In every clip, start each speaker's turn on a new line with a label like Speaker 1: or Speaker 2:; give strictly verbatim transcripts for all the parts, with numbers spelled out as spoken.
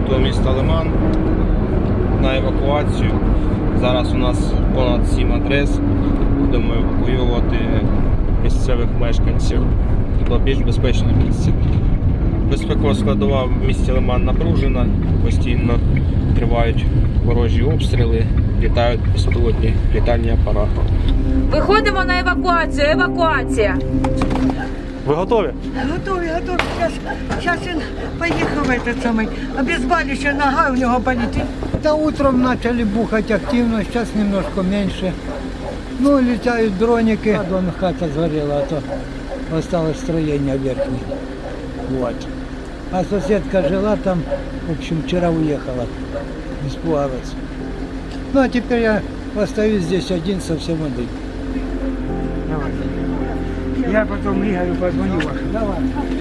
Speaker 1: пункту міста Лиман на евакуацію. Зараз у нас понад сім адрес. Будемо евакуювати місцевих мешканців до більш безпечних місць. Безпекова складова в місті Лиман напружена, постійно тривають ворожі обстріли, літають безпілотні літальні апарати.
Speaker 2: Виходимо на евакуацію. Евакуація.
Speaker 3: Ви готові?
Speaker 4: Готові, готові. Зараз, зараз він поїхав этот самий. Обезболююча нога у нього болить.
Speaker 5: Да, утром начали бухать активно, сейчас немножко меньше. Ну, летают дроники. Вон хата сгорела, а то осталось строение верхнее. Вот. А соседка жила там, в общем, вчера уехала. Испугалась. Ну, а теперь я остаюсь здесь один, совсем один.
Speaker 4: Давай. Я потом Игорю позвоню вашему.
Speaker 5: Давай.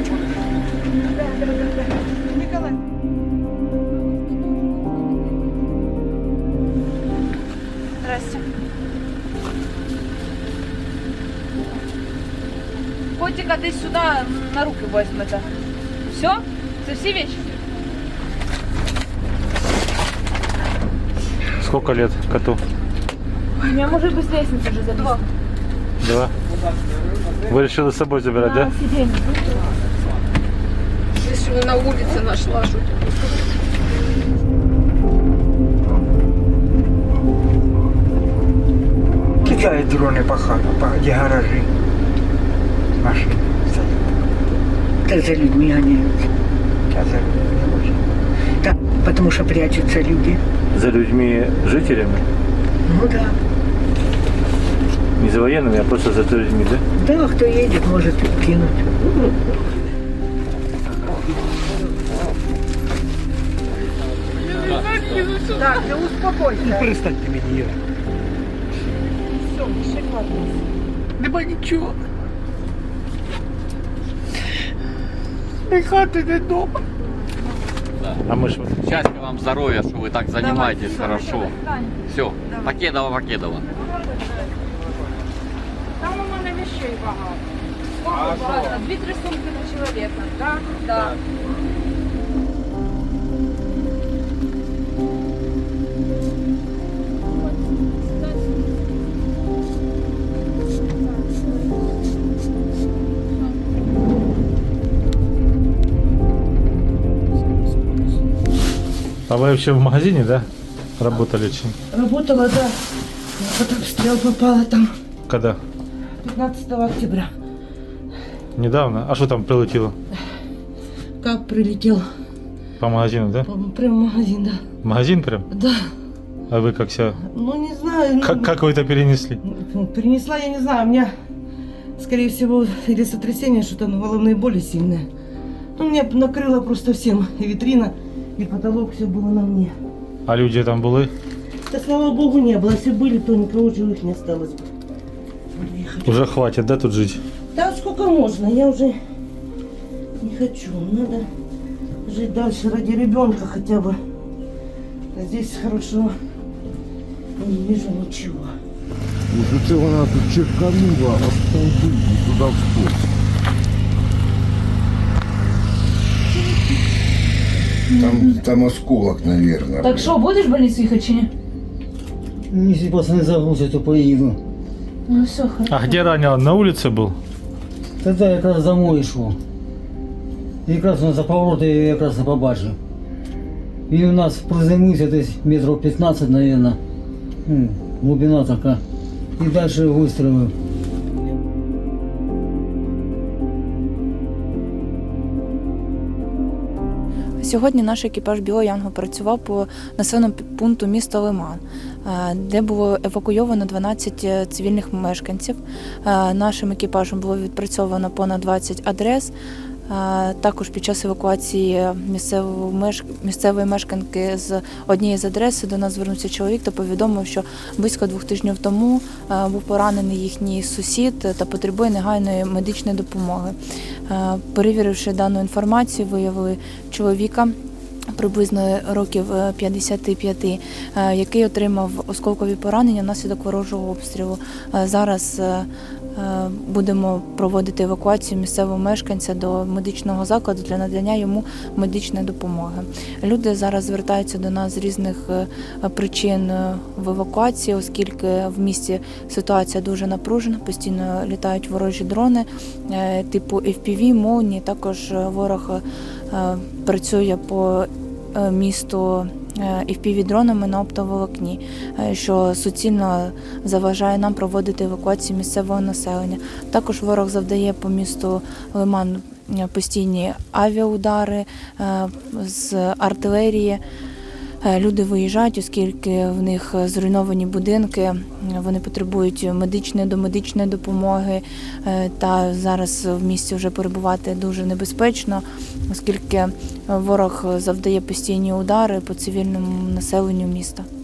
Speaker 4: Николай.
Speaker 2: Здрасте. Котика десь сюди на руки возьмете. Все? Це всі вещи?
Speaker 3: Сколько лет коту?
Speaker 2: Я, может, без лестницы уже залезть. Два.
Speaker 3: Два. Вы решили с собой забирать, да?
Speaker 2: Сиденье.
Speaker 6: Если на улице нашла что-то.
Speaker 4: Кидают дроны по хатам, по где гаражи. Машины стоят. Да за людьми гоняются. Да, за людьми не очень. Да, потому что прячутся люди.
Speaker 3: За людьми жителями?
Speaker 4: Ну да.
Speaker 3: Не за военными, а просто за людьми, да?
Speaker 4: Да, кто едет, может кинуть. Так, ты успокойся.
Speaker 5: Перестань ты меня.
Speaker 4: Нема нічого. Ні хати, ні дома.
Speaker 3: А мы ж...
Speaker 7: Счастья вам, здоровья, что вы так занимаетесь хорошо. Все, Покедова, Покедова.
Speaker 2: Там у мене вещей багато. Сколько багато? Дві-три сумки на чоловіка. Так? Так.
Speaker 3: А вы вообще в магазине, да? Работали чем?
Speaker 4: Работала, да. Под обстрел попала там
Speaker 3: Когда?
Speaker 4: пятнадцатого октября.
Speaker 3: Недавно? А что там прилетело?
Speaker 4: Как прилетел?
Speaker 3: По магазину, да?
Speaker 4: Прям в магазин, да.
Speaker 3: В магазин прям?
Speaker 4: Да.
Speaker 3: А вы как себя...
Speaker 4: Ну, не знаю. ну,
Speaker 3: Как, как вы это перенесли?
Speaker 4: ну, Перенесла, я не знаю. У меня, скорее всего, или сотрясение, что-то, ну, головные боли сильные. Ну, меня накрыло просто всем. И витрина, и потолок, все было на мне.
Speaker 3: А люди там были?
Speaker 4: Да, слава богу, не было. Если были, то никого живых не осталось бы.
Speaker 3: Уже хватит, да, тут жить?
Speaker 4: Да, сколько можно. Я уже не хочу. Надо жить дальше ради ребенка хотя бы. А здесь хорошо. Я не вижу ничего.
Speaker 8: Уже це вона тут черканула, автомобиль туди в спорт. Там, там осколок, наверное.
Speaker 2: Так що, будеш в больницю їхати чи ні?
Speaker 5: Если пацаны загрузят, то поеду.
Speaker 2: Ну все, хорошо.
Speaker 3: А где ранил? На улице был?
Speaker 5: Тогда я якраз домой йшов. І якраз он за поворот я якраз і побачив. Він у нас приземлився десь метрів п'ятнадцять, мабуть. Ну, глибина така. І далі вистрілив.
Speaker 9: Сьогодні наш екіпаж Білого Янгол працював по населеному пункту міста Лиман, де було евакуйовано дванадцять цивільних мешканців. Нашим екіпажем було відпрацьовано понад двадцять адрес. Також під час евакуації місцевої мешканки з однієї з адрес до нас звернувся чоловік та повідомив, що близько двох тижнів тому був поранений їхній сусід та потребує негайної медичної допомоги. Перевіривши дану інформацію, виявили чоловіка приблизно років п'ятдесят п'ять, який отримав осколкові поранення внаслідок ворожого обстрілу. Зараз будемо проводити евакуацію місцевого мешканця до медичного закладу для надання йому медичної допомоги. Люди зараз звертаються до нас з різних причин в евакуації, оскільки в місті ситуація дуже напружена, постійно літають ворожі дрони типу еф пі ві, молнії. Також ворог працює по місту еф пі ві-дронами на оптоволокні, що суцільно заважає нам проводити евакуацію місцевого населення. Також ворог завдає по місту Лиман постійні авіаудари з артилерії. Люди виїжджають, оскільки в них зруйновані будинки, вони потребують медичної домедичної допомоги, та зараз в місті вже перебувати дуже небезпечно, оскільки ворог завдає постійні удари по цивільному населенню міста.